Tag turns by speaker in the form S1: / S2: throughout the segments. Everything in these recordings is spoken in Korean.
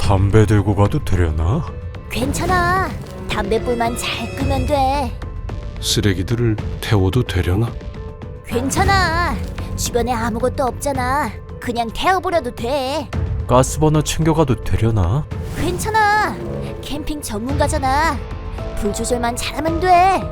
S1: 담배 들고 가도 되려나?
S2: 괜찮아. 담배불만 잘 끄면 돼.
S3: 쓰레기들을 태워도 되려나?
S2: 괜찮아. 주변에 아무것도 없잖아. 그냥 태워버려도 돼.
S1: 가스버너 챙겨가도 되려나?
S2: 괜찮아. 캠핑 전문가잖아. 불 조절만 잘하면 돼.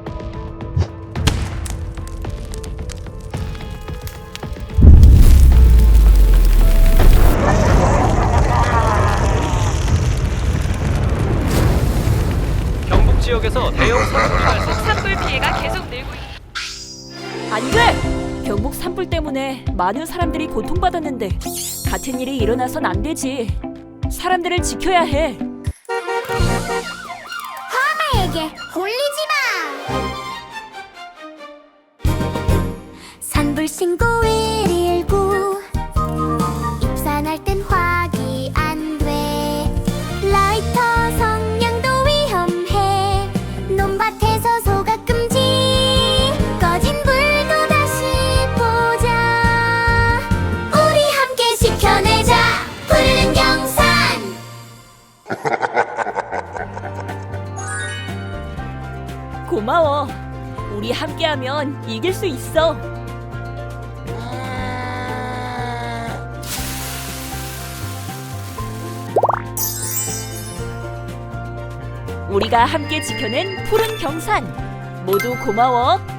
S4: 경북 지역에서 대형 산불이 발생.
S5: 산불 피해가 계속 늘고 있...
S6: 안 돼! 경북 산불 때문에 많은 사람들이 고통받았는데 같은 일이 일어나선 안 되지. 사람들을 지켜야 해.
S2: 에게 홀리지 마. 산불 신고 119. 입산할 땐 확이 안 돼. 라이터 성냥도 위험해. 논밭에서 소각 금지. 꺼진 불도 다시 보자. 우리 함께 지켜내자. 푸르른 경산.
S6: 고마워. 우리 함께하면 이길 수 있어. 우리가 함께 지켜낸 푸른 경산. 모두 고마워.